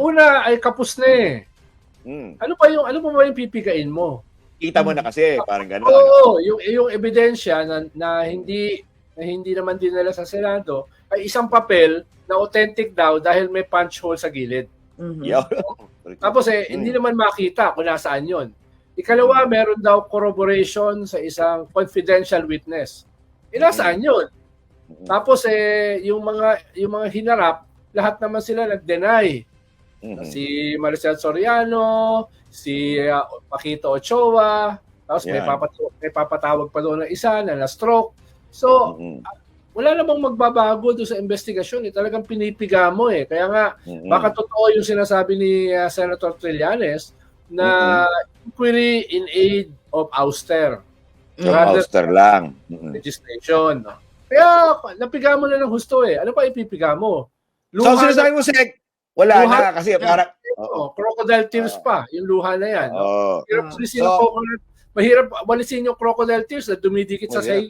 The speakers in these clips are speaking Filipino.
una ay kapos na eh. Ano pa yung pipigain mo? Kita mo na kasi, parang gano'n. Oo, yung ebidensya na hindi naman dinala sa Senado ay isang papel na authentic daw dahil may punch hole sa gilid. Tapos hindi naman makita kung nasaan yon. Ikalawa, meron daw corroboration sa isang confidential witness. Nasaan yun? Tapos yung mga hinarap, lahat naman sila nag-deny. Si Maricel Soriano, si Paquito Ochoa, tapos may papatawag pa doon ng isa na na-stroke. So, wala namang magbabago doon sa investigasyon. Talagang pinipiga mo eh. Kaya nga, baka totoo yung sinasabi ni Senator Trillanes na inquiry in aid of ouster. Ouster lang. Legislation. Kaya, napiga mo na ng husto eh. Ano pa ipipiga mo? So, sinasabi mo, Sek, wala luha na kasi parang... crocodile tears pa, yung luha na yan. Mahirap walisin yung crocodile tears na dumidikit sa sayo.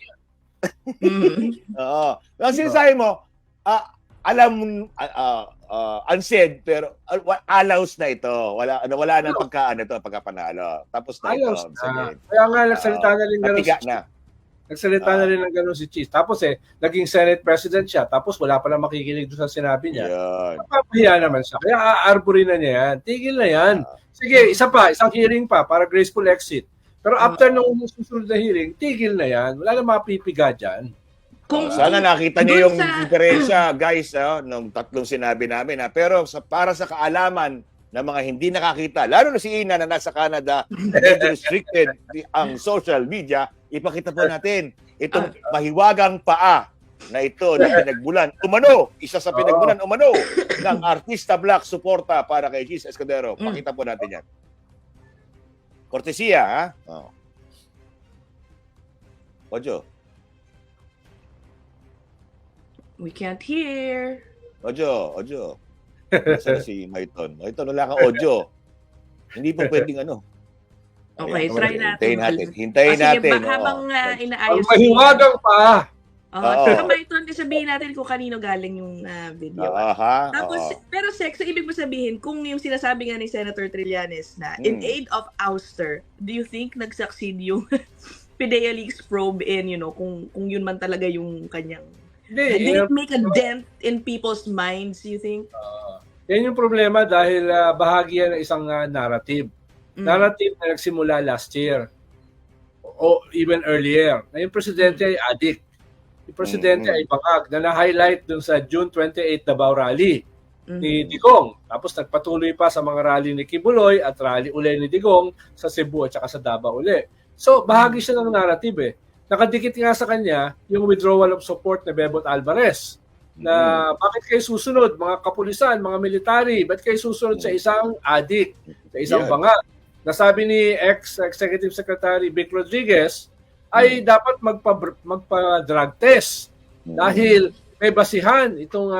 Ang sinasabi mo, alam, unsaid, pero allows na ito. Wala na pagkapanalo. Tapos na allows ito. Na. Kaya nga, nagsalita na rin gano'n. Nagsalita na rin ng gano'n si Cheese. Tapos naging Senate President siya. Tapos wala pa lang makikinig doon sa sinabi niya. Napapahiya naman siya. Kaya aarborin na niya yan. Tigil na yan. Sige, isang hearing pa para graceful exit. Pero after nung susunod na hearing, tigil na yan. Wala na mapipiga dyan. Sana nakita niyo yung diferensya, guys, nung tatlong sinabi namin. Pero para sa kaalaman ng mga hindi nakakita, lalo na si Ina na nasa Canada, restricted ang social media, ipakita po natin itong mahiwagang paa na ito na pinagbulan. Isa sa pinagbulan ng Artista Black suporta para kay Cheese Escudero. Pakita po natin yan. Kortesiya, ha? Ojo. We can't hear. Ojo. Nasaan si Maiton? Maiton, wala kang audio. Hindi po pwedeng Okay, try natin. Hintayin natin. Habang inaayos. Mahiwagang pa. Saka Maiton, sabihin natin kung kanino galing yung video. Tapos, pero Sex, ibig mo sabihin, kung yung sinasabi nga ni Senator Trillanes na in aid of ouster, do you think nag-succeed yung PIDEA Leaks probe in, kung yun man talaga yung kanyang... Did it make a dent in people's minds, you think? Yan yung problema dahil bahagi yan ng isang narrative. Narrative na nagsimula last year o even earlier. Na yung presidente ay addict. Yung presidente ay bangag na na-highlight dun sa June 28 Davao rally ni Digong. Tapos nagpatuloy pa sa mga rally ni Kibuloy at rally uli ni Digong sa Cebu at saka sa Davao uli. So, bahagi siya ng narrative eh. Nakadikit nga sa kanya yung withdrawal of support ni Bebot Alvarez na bakit kayo susunod, mga kapulisan, mga military, bakit kayo susunod sa isang addict, sa isang bangag? Nasabi ni ex-Executive Secretary Vic Rodriguez ay dapat magpa-drug test dahil may basihan itong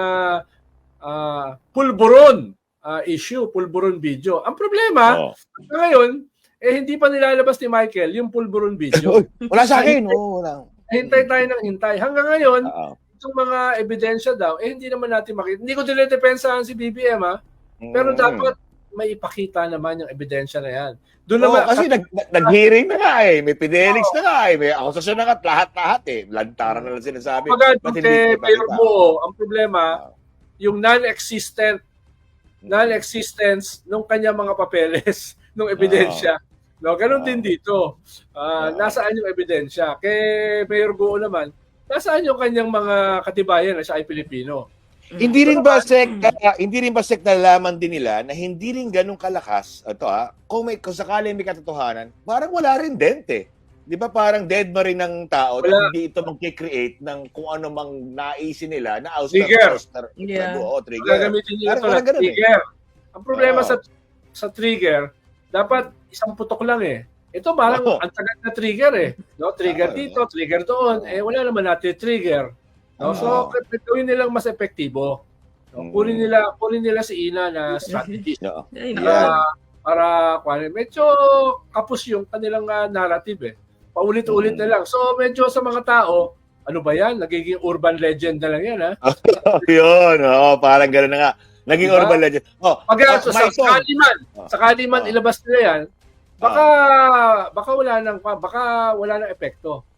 pulburon issue, pulburon video. Ang problema, ngayon, hindi pa nilalabas ni Michael yung pulburon video. Wala sa akin. Wala. Hintay tayo ng hintay. Hanggang ngayon, itong mga ebidensya daw, hindi naman natin makita. Hindi ko dinidepensahan si BBM, pero dapat may ipakita naman yung ebidensya na yan. Doon naman, kasi nag-hearing na nga eh. May PIDEA Leaks na nga eh. May akusasyon na nga lahat eh. Lantaran na lang sinasabi. Mayor Buo, ang problema, yung non-existence nung kanyang mga papeles, nung ebidensya. No, ganun din dito. Nasaan yung ebidensya? Kay Mayor Buo naman, nasaan yung kanyang mga katibayan na siya ay Pilipino? Hindi rin ba Sek nalalaman din nila na hindi rin ganun kalakas kung sakaling may katotohanan, parang wala rin dent eh. 'Di ba parang dead ma rin ng tao at hindi ito mag-create ng kung ano mang naisin nila na trigger. Trigger. Gagamitin nila ito na trigger. Ang problema sa trigger, dapat isang putok lang eh. Ito parang ang tagal na trigger eh. No, trigger dito, trigger doon. Wala naman natin trigger. No? So, gawin nilang mas epektibo. No? Kunin nila si Ina na strategist. Para medyo kapos yung kanilang narrative eh. Paulit-ulit na lang. So, medyo sa mga tao, ano ba yan? Nagiging urban legend na lang yan, ha? Yun, parang gano'n na nga. Naging Diba? urban legend. Pag sakali man ilabas nila yan, baka wala nang epekto.